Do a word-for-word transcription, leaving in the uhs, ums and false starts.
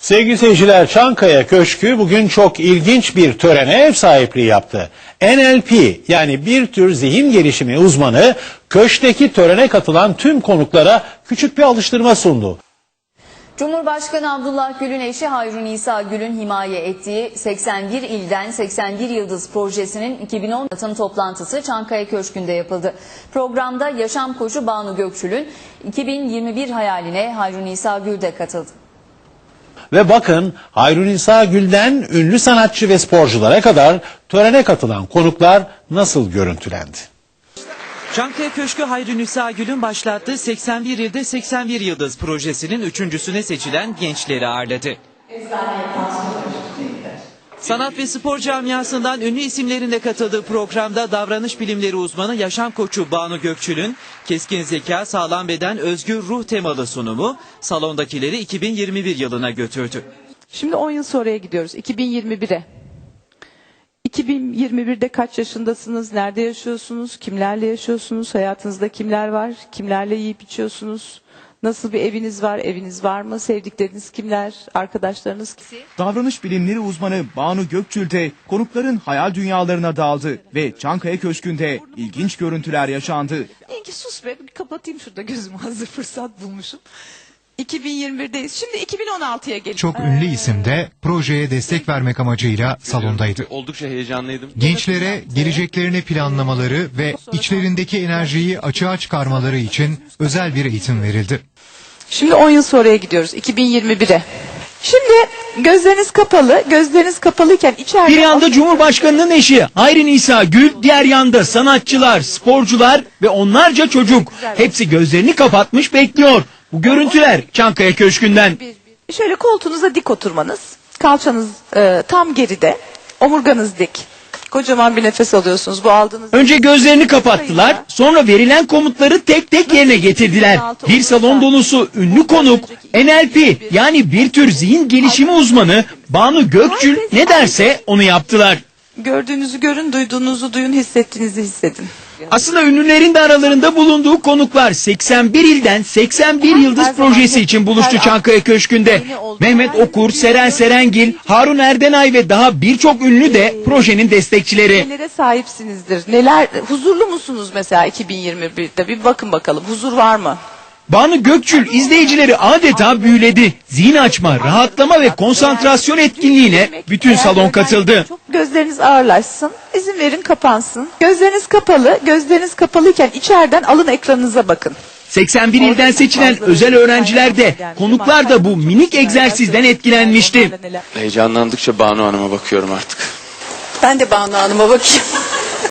Sevgili seyirciler, Çankaya Köşkü bugün çok ilginç bir törene ev sahipliği yaptı. N L P yani bir tür zihin gelişimi uzmanı köşkteki törene katılan tüm konuklara küçük bir alıştırma sundu. Cumhurbaşkanı Abdullah Gül'ün eşi Hayrun İsa Gül'ün himaye ettiği seksen bir ilden seksen bir Yıldız projesinin iki bin on tanıtım toplantısı Çankaya Köşkü'nde yapıldı. Programda yaşam koçu Banu Gökçül'ün iki bin yirmi bir hayaline Hayrun İsa Gül de katıldı. Ve bakın, Hayrun İsa Gül'den ünlü sanatçı ve sporculara kadar törene katılan konuklar nasıl görüntülendi? Çankaya Köşkü Hayrun İsa Gül'ün başlattığı seksen bir ilde seksen bir Yıldız projesinin üçüncüsüne seçilen gençleri ağırladı. Sanat ve spor camiasından ünlü isimlerin de katıldığı programda davranış bilimleri uzmanı yaşam koçu Banu Gökçül'ün keskin zeka, sağlam beden, özgür ruh temalı sunumu salondakileri iki bin yirmi bir yılına götürdü. Şimdi on yıl sonraya gidiyoruz, iki bin yirmi bire. iki bin yirmi birde kaç yaşındasınız, nerede yaşıyorsunuz, kimlerle yaşıyorsunuz, hayatınızda kimler var, kimlerle yiyip içiyorsunuz, nasıl bir eviniz var, eviniz var mı, sevdikleriniz kimler, arkadaşlarınız kim? Davranış bilimleri uzmanı Banu Gökçül de konukların hayal dünyalarına daldı ve Çankaya Köşkü'nde ilginç görüntüler yaşandı. İyi ki sus be, bir kapatayım şurada gözümü, hazır fırsat bulmuşum. iki bin yirmi birdeyiz. Şimdi iki bin on altıya geliyoruz. Çok ünlü isim de projeye destek vermek amacıyla salondaydı. Oldukça heyecanlıydım. Gençlere geleceklerini planlamaları ve içlerindeki enerjiyi açığa çıkarmaları için özel bir eğitim verildi. Şimdi on yıl sonraya gidiyoruz, iki bin yirmi bire. Şimdi gözleriniz kapalı, gözleriniz kapalıyken içeride... Bir yanda Cumhurbaşkanı'nın eşi Hayrun İsa Gül, diğer yanda sanatçılar, sporcular ve onlarca çocuk. Hepsi gözlerini kapatmış bekliyor. Bu görüntüler Çankaya Köşkü'nden. Şöyle koltuğunuza dik oturmanız, kalçanız e, tam geride, omurganız dik. Kocaman bir nefes alıyorsunuz. Bu aldığınız... Önce gözlerini kapattılar, sonra verilen komutları tek tek yerine getirdiler. Bir salon dolusu ünlü konuk, N L P yani bir tür zihin gelişimi uzmanı Banu Gökçül ne derse onu yaptılar. Gördüğünüzü görün, duyduğunuzu duyun, hissettiğinizi hissedin. Aslında ünlülerin de aralarında bulunduğu konuklar seksen bir ilden seksen bir Yıldız projesi için buluştu Çankaya Köşkü'nde. Mehmet Okur, Seren Serengil, Harun Erdenay ve daha birçok ünlü de projenin destekçileri. Nelere sahipsinizdir? Neler, huzurlu musunuz mesela iki bin yirmi birde? Bir bakın bakalım, huzur var mı? Banu Gökçül izleyicileri adeta büyüledi. Zihin açma, rahatlama ve konsantrasyon etkinliğine bütün salon katıldı. Çok gözleriniz ağırlaşsın, izin verin kapansın. Gözleriniz kapalı, gözleriniz kapalıyken içeriden alın ekranınıza bakın. seksen bir ilden seçilen özel öğrenciler de, konuklar da bu minik egzersizden etkilenmişti. Heyecanlandıkça Banu Hanım'a bakıyorum artık. Ben de Banu Hanım'a bakayım.